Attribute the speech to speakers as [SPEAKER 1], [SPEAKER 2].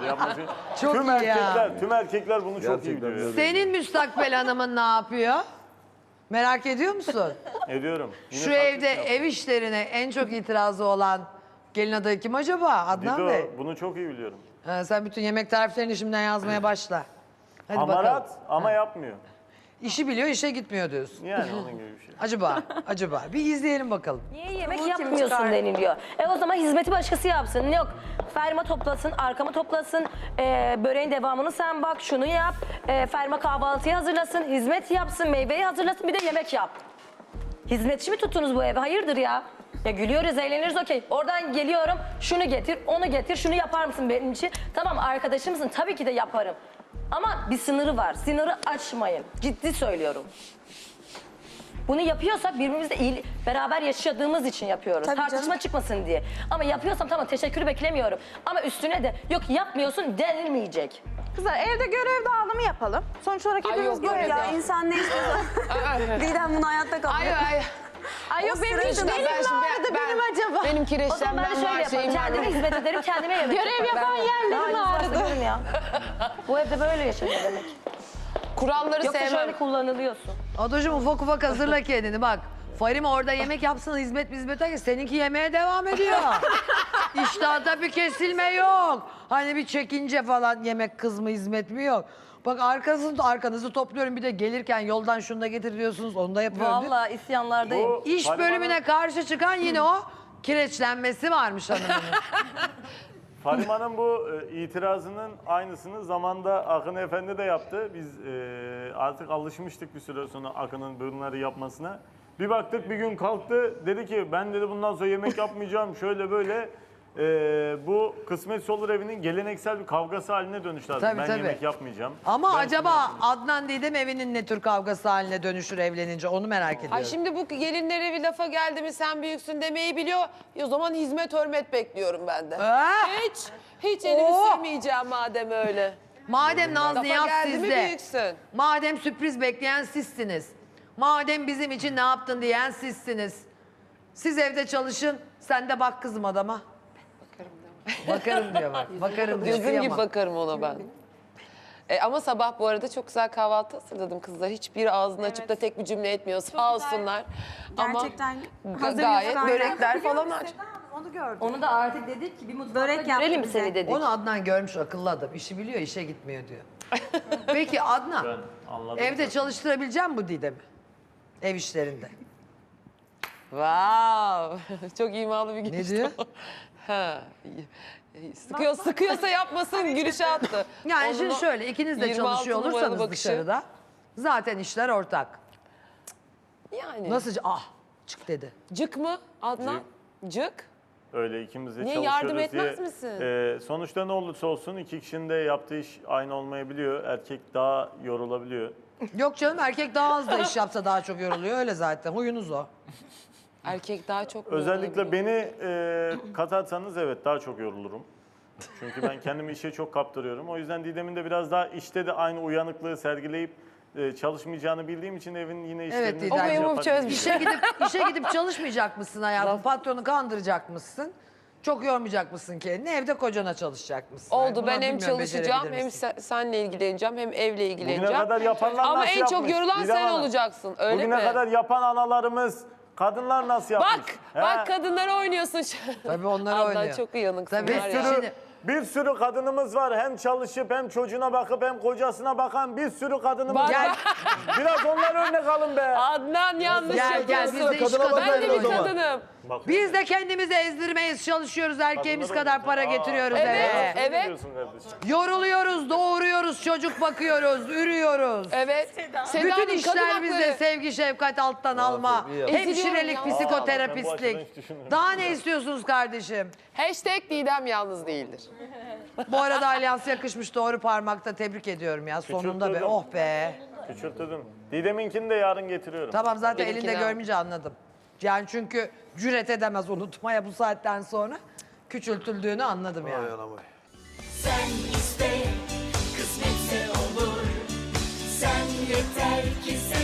[SPEAKER 1] yapması.
[SPEAKER 2] Çok
[SPEAKER 1] tüm
[SPEAKER 2] iyi ya.
[SPEAKER 1] erkekler, tüm erkekler bunu çok iyi
[SPEAKER 3] Gerçekten
[SPEAKER 1] biliyor.
[SPEAKER 3] öyle.
[SPEAKER 2] Senin müstakbel hanımın ne yapıyor? Merak ediyor musun?
[SPEAKER 1] Ediyorum. Yine
[SPEAKER 2] Şu
[SPEAKER 1] taklit
[SPEAKER 2] evde
[SPEAKER 1] yaptım.
[SPEAKER 2] ev işlerine en çok itirazı olan gelin adayı kim acaba? Adnan Bey.
[SPEAKER 1] Dido, bunu çok iyi biliyorum.
[SPEAKER 2] Sen bütün yemek tariflerini şimdiden yazmaya başla. Hadi
[SPEAKER 1] Hamarat
[SPEAKER 2] bakalım.
[SPEAKER 1] ama yapmıyor.
[SPEAKER 2] İşi biliyor, işe gitmiyor diyorsun.
[SPEAKER 1] Yani onun gibi bir şey.
[SPEAKER 2] Acaba. Bir izleyelim bakalım.
[SPEAKER 4] Niye yemek yapmıyorsun deniliyor. O zaman hizmeti başkası yapsın. Yok Ferma toplasın, arkamı toplasın, böreğin devamını sen bak, şunu yap. Ferma kahvaltıyı hazırlasın, hizmet yapsın, meyveyi hazırlasın, bir de yemek yap. Hizmetçi mi tuttunuz bu eve? Hayırdır ya? Ya gülüyoruz, eğleniriz okey. Oradan geliyorum, şunu getir, onu getir, şunu yapar mısın benim için? Tamam arkadaşımsın, tabii ki de yaparım. Ama bir sınırı var, sınırı aşmayın. Ciddi söylüyorum. Bunu yapıyorsak birbirimizle iyi, beraber yaşadığımız için yapıyoruz.
[SPEAKER 5] Tabii
[SPEAKER 4] Tartışma
[SPEAKER 5] canım.
[SPEAKER 4] çıkmasın diye. Ama yapıyorsam tamam teşekkürü beklemiyorum. Ama üstüne de yok yapmıyorsun denilmeyecek.
[SPEAKER 5] Kızlar evde görev dağılımı yapalım. Sonuç olarak hepimiz
[SPEAKER 6] yok,
[SPEAKER 5] görev
[SPEAKER 6] ya
[SPEAKER 5] dağılımı.
[SPEAKER 6] insan ne istiyorsa. Didem bunu hayatta kabul
[SPEAKER 7] Ay
[SPEAKER 6] ediyor.
[SPEAKER 7] ay.
[SPEAKER 5] Ay yok benim için benim vardı benim acaba.
[SPEAKER 7] Benim
[SPEAKER 4] O zaman
[SPEAKER 7] kireçlenmem
[SPEAKER 4] ben de şöyle
[SPEAKER 7] var,
[SPEAKER 4] yaparım.
[SPEAKER 7] şeyim var.
[SPEAKER 4] Kendime hizmet ederim, kendime yemek
[SPEAKER 5] Görev yapan yerlerim ağrıdı.
[SPEAKER 4] ya. Bu evde böyle yaşanıyor demek.
[SPEAKER 7] Kuralları
[SPEAKER 4] Yoksa
[SPEAKER 7] sevmem.
[SPEAKER 4] şöyle kullanılıyorsun.
[SPEAKER 2] Adocuğum ufak ufak hazırla kendini bak. Farim orada yemek yapsın hizmet seninki yemeğe devam ediyor. İştahta bir kesilme yok. Hani bir çekince falan yemek kız mı hizmet mi yok. Bak arkanızı topluyorum bir de gelirken yoldan şunu da getir diyorsunuz onu da yapıyorum.
[SPEAKER 4] Vallahi isyanlardayım.
[SPEAKER 1] Bu
[SPEAKER 2] İş
[SPEAKER 1] Farim
[SPEAKER 2] bölümüne
[SPEAKER 1] Hanım-
[SPEAKER 2] karşı çıkan yine o kireçlenmesi varmış hanımın.
[SPEAKER 1] Farim Hanım bu itirazının aynısını zamanda Akın Efendi de yaptı. Biz artık alışmıştık bir süre sonra Akın'ın bunları yapmasına. Bir baktık bir gün kalktı dedi ki ben dedi bundan sonra yemek yapmayacağım şöyle böyle. Bu Kısmetse Olur evinin geleneksel bir kavgası haline dönüştü artık.
[SPEAKER 2] Tabii,
[SPEAKER 1] Ben
[SPEAKER 2] tabii.
[SPEAKER 1] yemek yapmayacağım.
[SPEAKER 2] Ama
[SPEAKER 1] Ben
[SPEAKER 2] acaba
[SPEAKER 1] şunu yapmayacağım.
[SPEAKER 2] Adnan Didem evinin ne tür kavgası haline dönüşür evlenince onu merak ediyorum.
[SPEAKER 7] Ay şimdi bu gelinlere bir lafa geldi mi sen büyüksün demeyi biliyor. O zaman hizmet hürmet bekliyorum ben de. Hiç elimi
[SPEAKER 2] Oo.
[SPEAKER 7] silmeyeceğim madem öyle.
[SPEAKER 2] Madem Naz
[SPEAKER 7] Lafa
[SPEAKER 2] Niyaz
[SPEAKER 7] geldi mi
[SPEAKER 2] sizde,
[SPEAKER 7] büyüksün.
[SPEAKER 2] madem sürpriz bekleyen sizsiniz, madem bizim için ne yaptın diyen sizsiniz. Siz evde çalışın, sen de bak kızım adama. Bakarım diyor bak, bakarım diyor.
[SPEAKER 7] Gözüm gibi
[SPEAKER 2] kıyamam.
[SPEAKER 7] bakarım ona ben. Ama sabah bu arada çok güzel kahvaltı hazırladım kızlar. Hiçbir ağzını açıp da tek bir cümle etmiyor sağ olsunlar.
[SPEAKER 6] Gerçekten
[SPEAKER 7] Ama
[SPEAKER 6] hazır
[SPEAKER 7] gayet
[SPEAKER 6] yufkalar.
[SPEAKER 7] börekler falan aç.
[SPEAKER 6] Onu gördüm.
[SPEAKER 4] Onu da artık dedik ki bir mutfakta
[SPEAKER 6] Börek yaptı
[SPEAKER 4] görelim
[SPEAKER 6] bize.
[SPEAKER 4] seni dedik.
[SPEAKER 2] Onu Adnan görmüş akıllı adam. İşi biliyor, işe gitmiyor diyor. Peki Adnan,
[SPEAKER 1] Ben anladım.
[SPEAKER 2] evde çalıştırabilecek misin bu Didem'i? Ev işlerinde.
[SPEAKER 7] Wow. Çok imalı bir giriş.
[SPEAKER 2] Ne diyor?
[SPEAKER 7] Ha. Sıkıyorsa yapmasın gülüşe attı.
[SPEAKER 2] Yani
[SPEAKER 7] Onun
[SPEAKER 2] şimdi
[SPEAKER 7] o
[SPEAKER 2] şöyle ikiniz de
[SPEAKER 7] 26
[SPEAKER 2] çalışıyor
[SPEAKER 7] numaralı
[SPEAKER 2] olursanız
[SPEAKER 7] bakışı.
[SPEAKER 2] dışarıda zaten işler ortak.
[SPEAKER 7] Yani.
[SPEAKER 2] Nasıl çık dedi.
[SPEAKER 7] Cık mı Adnan? Cık.
[SPEAKER 1] Öyle ikimiz de
[SPEAKER 7] Niye,
[SPEAKER 1] çalışıyoruz
[SPEAKER 7] yardım etmez
[SPEAKER 1] diye.
[SPEAKER 7] misin?
[SPEAKER 1] Sonuçta ne olursa olsun iki kişinin de yaptığı iş aynı olmayabiliyor. Erkek daha yorulabiliyor.
[SPEAKER 2] Yok canım erkek daha az da iş yapsa daha çok yoruluyor öyle zaten huyunuz o.
[SPEAKER 7] Erkek daha çok
[SPEAKER 1] Özellikle beni katarsanız evet daha çok yorulurum. Çünkü ben kendimi işe çok kaptırıyorum. O yüzden Didem'in de biraz daha işte de aynı uyanıklığı sergileyip çalışmayacağını bildiğim için evin yine işlerini...
[SPEAKER 2] Evet Didem.
[SPEAKER 7] O memur
[SPEAKER 1] yaparım.
[SPEAKER 7] çözmüş.
[SPEAKER 2] İşe gidip çalışmayacak mısın hayatım? Patronu kandıracak mısın? Çok yormayacak mısın kendini? Evde kocana çalışacak mısın?
[SPEAKER 7] Oldu
[SPEAKER 2] Bunu
[SPEAKER 7] ben hem
[SPEAKER 2] bilmiyorum,
[SPEAKER 7] çalışacağım
[SPEAKER 2] becerebilir
[SPEAKER 7] hem
[SPEAKER 2] misin?
[SPEAKER 7] senle ilgileneceğim hem evle
[SPEAKER 1] Bugüne
[SPEAKER 7] ilgileneceğim.
[SPEAKER 1] kadar yapanlar
[SPEAKER 7] Ama
[SPEAKER 1] nasıl
[SPEAKER 7] en çok
[SPEAKER 1] yapmış?
[SPEAKER 7] yorulan
[SPEAKER 1] Didem
[SPEAKER 7] sen
[SPEAKER 1] Hanım.
[SPEAKER 7] olacaksın öyle
[SPEAKER 1] Bugüne
[SPEAKER 7] mi?
[SPEAKER 1] kadar yapan analarımız, kadınlar nasıl yapmış?
[SPEAKER 7] Bak
[SPEAKER 1] He?
[SPEAKER 7] kadınlara oynuyorsun şu
[SPEAKER 2] Tabii onlar
[SPEAKER 7] Adnan
[SPEAKER 2] oynuyor.
[SPEAKER 7] çok uyanıksın
[SPEAKER 2] Tabii.
[SPEAKER 7] var
[SPEAKER 1] Bir
[SPEAKER 7] ya.
[SPEAKER 1] sürü,
[SPEAKER 2] Şimdi-
[SPEAKER 1] bir sürü kadınımız var. Hem çalışıp hem çocuğuna bakıp hem kocasına bakan bir sürü kadınımız
[SPEAKER 7] Bak,
[SPEAKER 1] var. Biraz onlar örnek alın be.
[SPEAKER 7] Adnan yanlış
[SPEAKER 2] Gel
[SPEAKER 7] yapıyorsun.
[SPEAKER 2] biz de iş
[SPEAKER 3] Kadına
[SPEAKER 7] Ben de
[SPEAKER 2] kadını.
[SPEAKER 7] bir kadınım.
[SPEAKER 2] Biz de kendimizi ezdirmeyiz, çalışıyoruz, erkeğimiz
[SPEAKER 1] Kadınlar
[SPEAKER 2] kadar
[SPEAKER 1] oynuyor.
[SPEAKER 2] para getiriyoruz
[SPEAKER 7] Evet,
[SPEAKER 2] eve.
[SPEAKER 7] evet.
[SPEAKER 1] Ne diyorsun kardeşim?
[SPEAKER 2] Yoruluyoruz, doğuruyoruz, çocuk bakıyoruz, ürüyoruz.
[SPEAKER 7] Evet. Seda
[SPEAKER 2] Bütün
[SPEAKER 7] Hanım,
[SPEAKER 2] işler
[SPEAKER 7] kadın
[SPEAKER 2] bizde
[SPEAKER 7] hakları.
[SPEAKER 2] sevgi, şefkat alttan alma.
[SPEAKER 3] iyi ya.
[SPEAKER 2] Hemşirelik,
[SPEAKER 7] Eziliyorum ya.
[SPEAKER 1] Ben bu açıdan
[SPEAKER 2] psikoterapistlik.
[SPEAKER 1] hiç düşünmüyorum.
[SPEAKER 2] Daha ne istiyorsunuz kardeşim?
[SPEAKER 7] Hashtag Didem yalnız değildir.
[SPEAKER 2] Bu arada alyans yakışmış doğru parmakta tebrik ediyorum ya sonunda be.
[SPEAKER 1] Küçülttürdüm.
[SPEAKER 2] Oh be.
[SPEAKER 1] Küçülttüm. Didem'inkini de yarın getiriyorum.
[SPEAKER 2] Tamam zaten
[SPEAKER 7] Benimkini
[SPEAKER 2] elinde
[SPEAKER 7] al.
[SPEAKER 2] görmeyince anladım. Yani çünkü cüret edemez unutmaya bu saatten sonra küçültüldüğünü anladım yani.
[SPEAKER 3] Ay anam ay.
[SPEAKER 8] Sen iste, kısmetse olur. Sen yeter ki sen